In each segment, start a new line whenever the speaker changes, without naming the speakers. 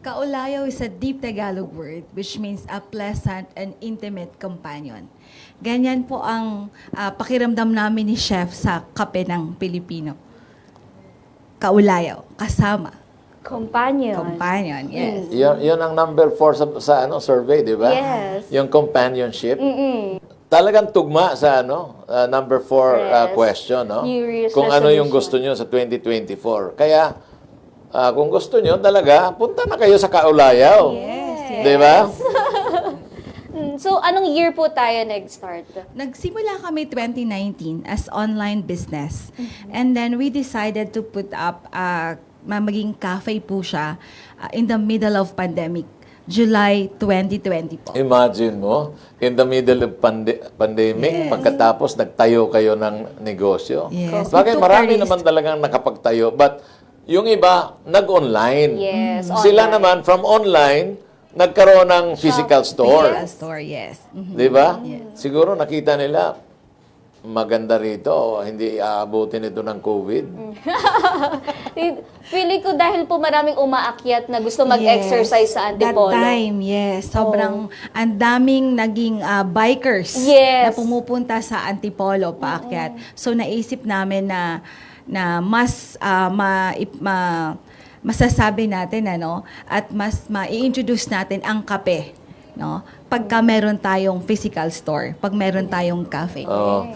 Kaulayaw is a deep Tagalog word which means a pleasant and intimate companion. Ganyan po ang pakiramdam namin ni Chef sa kape ng Pilipino. Kaulayaw, kasama.
Companion.
Companion, yes.
Yun ang number 4 sa survey, di ba?
Yes.
Yung companionship.
Mm-mm.
Talagang tugma sa number 4
Yes.
question, no?
New Year's
Kung ano yung gusto
resolution.
nyo sa 2024. Kaya, kung gusto nyo talaga, punta na kayo sa Kaulayaw.
Yes,
Di ba?
So, anong year po tayo nag-start?
Nagsimula kami 2019 as online business. And then we decided to put up, maging cafe po siya in the middle of pandemic, July 2020 po.
Imagine mo, in the middle of pandemic,
Yes.
pagkatapos nagtayo kayo ng negosyo.
Yes.
Bakit
We took
marami
a risk.
naman talagang nakapagtayo. But yung iba, nag-online.
Yes,
Sila
online.
naman, from online, nagkaroon ng physical store.
Physical store, yes. Mhm.
Di ba? Siguro nakita nila, maganda rito, hindi aabutin ito ng COVID.
Feeling ko dahil po maraming umaakyat na gusto mag-exercise sa Antipolo.
That time, yes. Sobrang ang daming naging bikers na
Yes.
pumupunta sa Antipolo paakyat. So naisip namin na mas masasabi natin at mas mai-introduce natin ang kape, no? Pagka meron tayong physical store, pag meron tayong cafe.
Oh.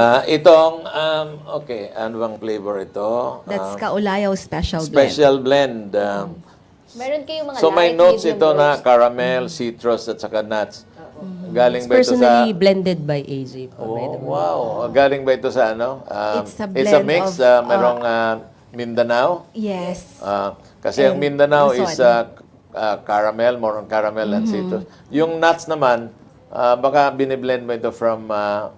Okay, ano bang flavor ito?
That's Kaulayaw Special Blend.
Special blend.
Meron kayong mga
So may
light,
notes
medium,
ito na
roast.
caramel, citrus, at saka nuts. Galing ba ito sa...
Personally blended by AJ po. by the way.
wow. Galing ba ito sa ano?
It's a
It's a
blend
mix.
of,
Merong Mindanao.
Yes.
Kasi ang
And
Mindanao is
Luzon.
caramel, more on caramel and citrus. Yung nuts naman, baka biniblend mo ito from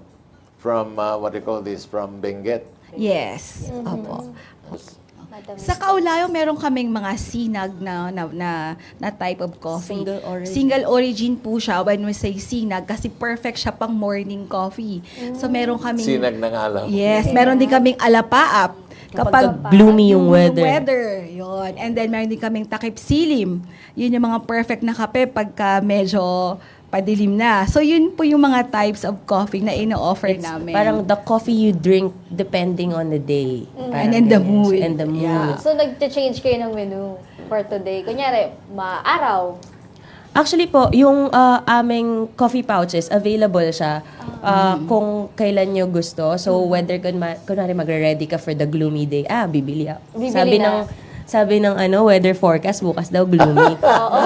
what do you call this? From Benguet.
Yes. Opo.
Matamis.
Sa Kaulayaw, meron kaming mga sinag na type of coffee.
Single origin.
Single origin po siya when we say sinag kasi perfect siya pang morning coffee. So meron kaming...
Sinag ng alaw.
Yes, meron din kaming alapaap.
Kapag gloomy yung
weather. Yun. And then meron din kaming takip silim. Yun yung mga perfect na kape pagka medyo padilim na. So yun po yung mga types of coffee na ino-offer
It's
namin.
parang the coffee you drink depending on the day.
And
Parang
in the
ganyan.
mood.
And the mood.
Yeah.
So, nag-change kayo ng menu for today. Kunyari, maaraw.
Actually po, yung aming coffee pouches, available siya kung kailan nyo gusto. So, whether kunwari magre-ready ka for the gloomy day, bibili ako.
Bibili na.
Sabi ng weather forecast, bukas daw gloomy.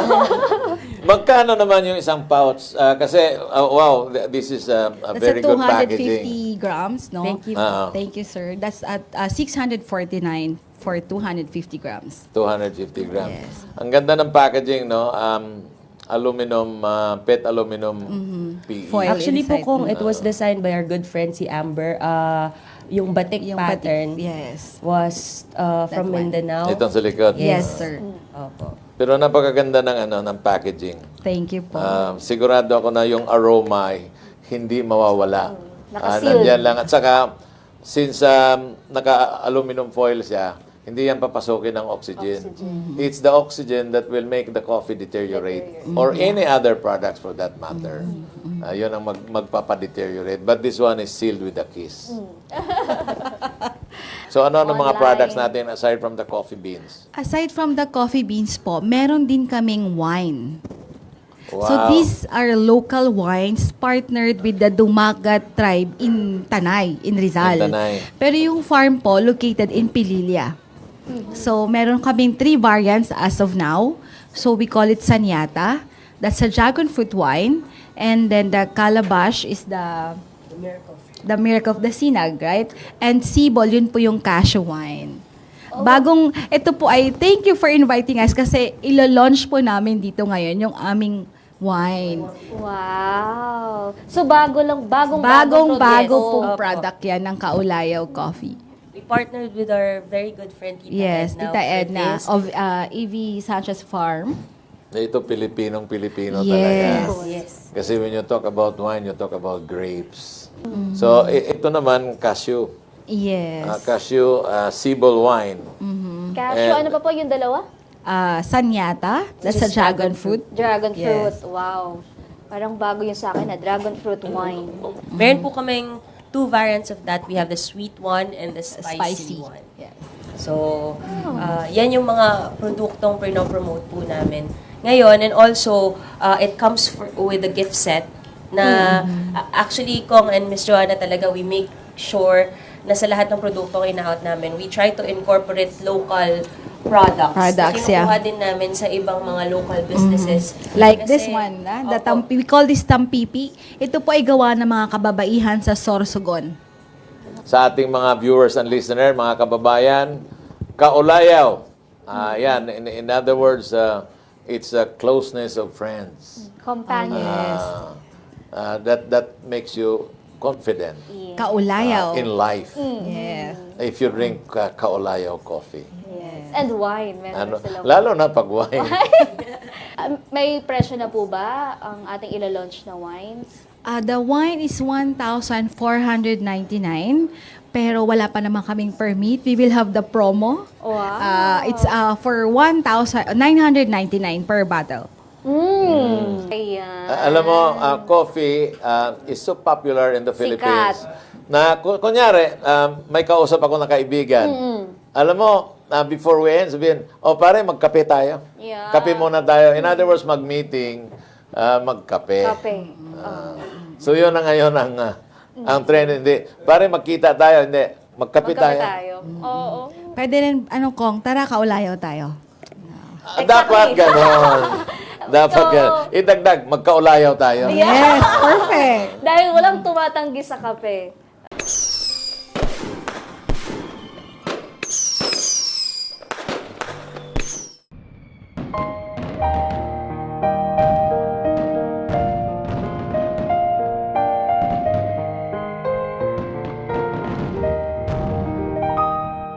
Magkano naman yung isang pouch? Kasi, wow, this is a
That's
very
at
good packaging.
250 grams, no?
Thank you.
Thank you, sir. That's at 649 for 250 grams.
250 grams.
Yes.
Ang ganda ng packaging, no? Aluminum, PET aluminum PE.
Foil.
Actually po,
inside.
kung it was designed by our good friend si Amber, yung batik
Yung
pattern
batik, yes.
was from
one.
Mindanao.
Itong sa likod.
Yes, sir.
Opo.
Pero napakaganda ng packaging.
Thank you po.
Sigurado ako na yung aroma ay hindi mawawala.
Nakasealed.
Nandiyan lang. At saka, since naka-aluminum foil siya, hindi yan papasukin ng oxygen. It's the oxygen that will make the coffee deteriorate. Or any other products for that matter. Yun ang magpapadeteriorate. But this one is sealed with a kiss. So ano ang mga
Online.
products natin aside from the coffee beans?
Aside from the coffee beans po, meron din kaming wine.
Wow.
So these are local wines partnered with the Dumagat tribe in Tanay, in Rizal.
In Tanay.
Pero yung farm po located in Pililla. So meron kaming 3 variants as of now. So we call it Sanyata. That's a dragon fruit wine. And then the Calabash is the Miracle of the Sinag, right? And Sibol, yun po yung cashew wine. Ito po ay, thank you for inviting us kasi ilo-launch po namin dito ngayon yung aming wine.
Wow. So, bagong
Bagong-bago
progreso.
pong product yan ng Kaulayaw Coffee.
We partnered with our very good friend Tita
Yes,
Edna.
Tita
for
Edna
this.
of EV Sanchez Farm.
Ito Pilipinong-Pilipino
Yes.
talaga.
Yes.
Kasi when you talk about wine, you talk about grapes. So, ito naman, cashew.
Yes.
Cashew, Sibol wine.
Cashew,
And-
ano pa po yung dalawa?
Sanyata, that's a dragon fruit.
Dragon fruit.
Yes.
Wow. Parang bago yun sa akin na dragon fruit wine.
Meron po kaming 2 variants of that. We have the sweet one and the spicy one.
Yes.
So, yan yung mga produktong pinopromote po namin ngayon. And also, it comes with a gift set na actually, Kong and Miss Joanna talaga, we make sure na sa lahat ng produktong ina-out namin, we try to incorporate local products.
Products,
Kinukuha
yeah.
din namin sa ibang mga local businesses.
Like
Kasi-
this one, the
Opo.
we call this tampipi. Ito po ay gawa ng mga kababaihan sa Sorsogon.
Sa ating mga viewers and listener, mga kababayan, kaulayaw. Yan, in other words, it's a closeness of friends.
Companion.
That makes you confident
Kaulayaw.
in life.
Yes.
If you drink kaulayaw coffee.
And wine. Meron sila.
Lalo na pag wine.
May presyo na po ba ang ating ila-launch na wines?
The wine is 1,499, pero wala pa naman kaming permit. We will have the promo.
Wow.
It's for 1,999 per bottle.
Ayan.
Alam mo, coffee is so popular in the Philippines. Na kunyari, may kausap ako na kaibigan. Alam mo, before we end, sabihin, pare, magkape tayo.
Yeah.
Kape muna tayo. In other words, mag-meeting, magkape.
Kape.
So yun na ngayon ang trend. Hindi, pare, magkita tayo. Hindi, magkape
Magkape
tayo.
tayo. Oo.
Pwede rin, Kong, tara, kaulayaw tayo.
Dapat ganon. Dapat ganon. Idagdag, magkaulayaw tayo.
Yes, perfect.
Dahil walang tumatanggi sa kape.